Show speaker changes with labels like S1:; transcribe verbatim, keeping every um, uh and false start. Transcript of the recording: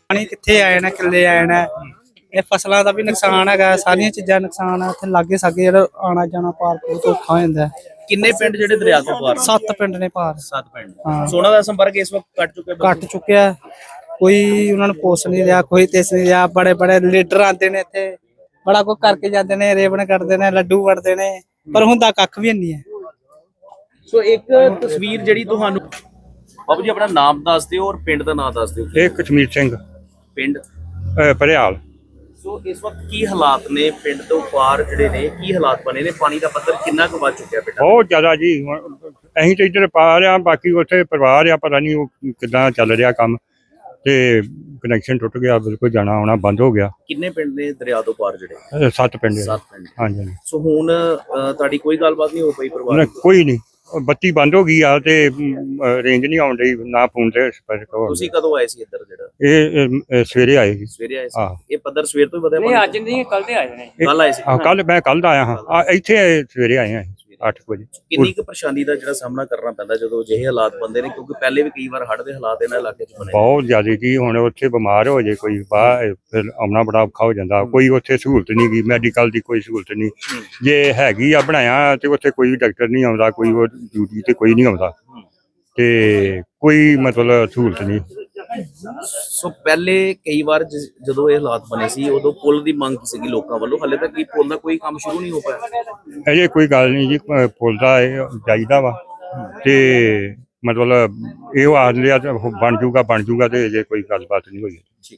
S1: ਪਾਣੀ ਕਿੱਥੇ ਆ ਜਾਣਾ, ਕਿੱਲੇ ਆ ਜਾਣਾ। ਇਹ ਫਸਲਾਂ ਦਾ ਵੀ ਨੁਕਸਾਨ ਹੈਗਾ, ਸਾਰੀਆਂ ਚੀਜ਼ਾਂ ਨੁਕਸਾਨ ਆ। ਇੱਥੇ ਲਾਗੇ ਸਾਗੇ ਜਿਹੜਾ ਆਣਾ ਜਾਣਾ ਪਾਰ ਬਹੁਤ ਔਖਾ ਹੋ ਜਾਂਦਾ।
S2: ਕਿੰਨੇ ਪਿੰਡ ਜਿਹੜੇ ਦਰਿਆ ਤੋਂ ਪਾਰ?
S1: ਸੱਤ ਪਿੰਡ ਨੇ ਪਾਰ।
S2: ਸੱਤ ਪਿੰਡ।
S1: ਹਾਂ।
S2: ਸੋਨਾ ਦਾ ਸੰਪਰਕ ਇਸ ਵਕਤ ਕੱਟ ਚੁੱਕੇ
S1: ਕੱਟ ਚੁੱਕਿਆ, ਕੋਈ ਉਹਨਾਂ ਨੂੰ ਪੁੱਛ ਨਹੀਂ ਰਿਹਾ, ਕੋਈ ਤਿਸ ਨਹੀਂ ਰਿਹਾ। ਬੜੇ ਬੜੇ ਲੀਡਰ ਆਉਂਦੇ ਨੇ ਇੱਥੇ, ਬੜਾ ਕੁਝ ਕਰਕੇ ਜਾਂਦੇ ਨੇ, ਰੇਵਣ ਕੱਢਦੇ ਨੇ, ਲੱਡੂ ਵੰਡਦੇ ਨੇ, ਪਰ ਹੁੰਦਾ ਕੱਖ ਵੀ ਨਹੀਂ ਹੈ।
S2: ਸੋ ਇੱਕ ਤਸਵੀਰ ਜਿਹੜੀ ਤੁਹਾਨੂੰ ਬਾਬੂ ਜੀ ਆਪਣਾ ਨਾਮ ਦੱਸ ਦਿਓ ਔਰ ਪਿੰਡ ਦਾ ਨਾਮ ਦੱਸ ਦਿਓ।
S3: ਇਹ ਕਸ਼ਮੀਰ ਸਿੰਘ
S2: ਪਿੰਡ
S3: ਭਰਿਆਲ।
S2: ਸੋ ਇਸ ਵਕਤ ਕੀ ਹਾਲਾਤ ਨੇ ਪਿੰਡ ਤੋਂ ਪਾਰ ਜਿਹੜੇ ਨੇ, ਕੀ ਹਾਲਾਤ ਬਣੇ ਨੇ? ਪਾਣੀ ਦਾ ਪੱਧਰ ਕਿੰਨਾ ਕੁ ਵੱਧ ਚੁੱਕਿਆ ਬੇਟਾ?
S3: ਬਹੁਤ ਜ਼ਿਆਦਾ ਜੀ। ਹੁਣ ਅਸੀਂ ਤਾਂ ਇੱਧਰ ਪਾ ਰਿਹਾ, ਬਾਕੀ ਉੱਥੇ ਪਰਿਵਾਰ ਆ, ਪਤਾ ਨਹੀਂ ਉਹ ਕਿੱਦਾਂ ਚੱਲ ਰਿਹਾ ਕੰਮ, ਤੇ ਕਨੈਕਸ਼ਨ ਟੁੱਟ ਗਿਆ, ਬਿਲਕੁਲ ਜਾਣਾ ਆਉਣਾ ਬੰਦ ਹੋ ਗਿਆ।
S2: ਕਿੰਨੇ ਪਿੰਡ ਨੇ ਦਰਿਆ ਤੋਂ ਪਾਰ ਜਿਹੜੇ?
S3: ਇਹ ਸੱਤ ਪਿੰਡ ਆ।
S2: ਸੱਤ ਪਿੰਡ।
S3: ਹਾਂਜੀ ਹਾਂਜੀ।
S2: ਸੋ ਹੁਣ ਅ, ਤੁਹਾਡੀ ਕੋਈ ਗੱਲਬਾਤ ਨਹੀਂ ਹੋ ਪਈ ਪਰਿਵਾਰ
S3: ਨਾ,
S2: ਨਾਲ?
S3: ਕੋਈ ਨਹੀਂ, ਬੱਤੀ ਬੰਦ ਹੋ ਗਈ ਆ ਤੇ ਰੇਂਜ ਨਹੀਂ ਆਉਣ ਡਈ, ਨਾ ਫੋਨ ਤੇ ਸੰਪਰਕ ਹੋ
S2: ਤੁਸੀਂ ਕਦੋਂ ਆਏ ਸੀ ਇੱਧਰ ਜਿਹੜਾ?
S3: ਇਹ ਇਹ, ਇਹ ਸਵੇਰੇ ਆਏ ਸੀ।
S2: ਸਵੇਰੇ ਆਏ ਸੀ?
S3: ਆਹ।
S2: ਇਹ ਪੱਧਰ ਸਵੇਰ ਤੋਂ ਹੀ ਵਧਿਆ?
S4: ਨਹੀਂ ਅੱਜ ਨਹੀਂ, ਕੱਲ ਤੇ ਆਏ ਨੇ।
S2: ਕੱਲ ਆਏ ਸੀ?
S3: ਆਹ ਕੱਲ ਮੈਂ ਕੱਲ ਦਾ ਆਇਆ ਹਾਂ। ਆ ਇੱਥੇ ਆਏ, ਸਵੇਰੇ ਆਏ ਹਾਂ ਅੱਠ ਵਜੇ।
S2: ਕਿੰਨੀ ਕੁ ਪਰੇਸ਼ਾਨੀ ਦਾ ਜਿਹੜਾ ਸਾਹਮਣਾ ਕਰਨਾ ਪੈਂਦਾ ਜਦੋਂ ਅਜਿਹੇ ਹਾਲਾਤ ਬੰਦੇ ਨੇ, ਕਿਉਂਕਿ ਪਹਿਲੇ ਵੀ ਕਈ ਵਾਰ ਹੜ੍ਹ ਦੇ ਹਾਲਾਤ ਇਹਨਾਂ ਇਲਾਕੇ 'ਚ ਬਣੇ?
S3: ਬਹੁਤ ਜ਼ਿਆਦਾ ਜੀ। ਹੁਣ ਉੱਥੇ ਬਿਮਾਰ ਹੋ ਜੇ ਕੋਈ ਬਾਹਰ, ਫਿਰ ਆਉਣਾ ਬੜਾ ਔਖਾ ਹੋ ਜਾਂਦਾ। ਕੋਈ ਉੱਥੇ ਸਹੂਲਤ ਨਹੀਂ ਗਈ, ਮੈਡੀਕਲ ਦੀ ਕੋਈ ਸਹੂਲਤ ਨਹੀਂ। ਜੇ ਹੈਗੀ ਆ ਬਣਾਇਆ ਤੇ ਉੱਥੇ ਕੋਈ ਡਾਕਟਰ ਨਹੀਂ ਆਉਂਦਾ, ਕੋਈ ਉਹ ਡਿਊਟੀ ਤੇ ਕੋਈ ਨਹੀਂ ਆਉਂਦਾ, ਤੇ ਕੋਈ ਮਤਲਬ ਸਹੂਲਤ ਨਹੀਂ।
S2: ਸੋ ਪਹਿਲੇ ਕਈ ਵਾਰ ਜ- ਜਦੋਂ ਇਹ ਹਾਲਾਤ ਬਣੇ ਸੀ ਉਦੋਂ ਪੁਲ ਦੀ ਮੰਗ ਸੀਗੀ ਲੋਕਾਂ ਵੱਲੋਂ, ਹਾਲੇ ਤੱਕ ਕੀ ਪੁਲ ਦਾ ਕੋਈ ਕੰਮ ਸ਼ੁਰੂ ਨਹੀਂ ਹੋ ਪਾਇਆ?
S3: ਅਜੇ ਕੋਈ ਗੱਲ ਨਹੀਂ ਜੀ, ਅਹ ਪੁੱਲ ਦਾ ਇਹ ਚਾਹੀਦਾ ਵਾ, ਤੇ ਮਤਲਬ ਇਹ ਆਖਦੇ ਆ ਬਣ ਜੂਗਾ ਬਣ ਜੂਗਾ, ਤੇ ਅਜੇ ਕੋਈ ਗੱਲਬਾਤ ਨਹੀਂ ਹੋਈ।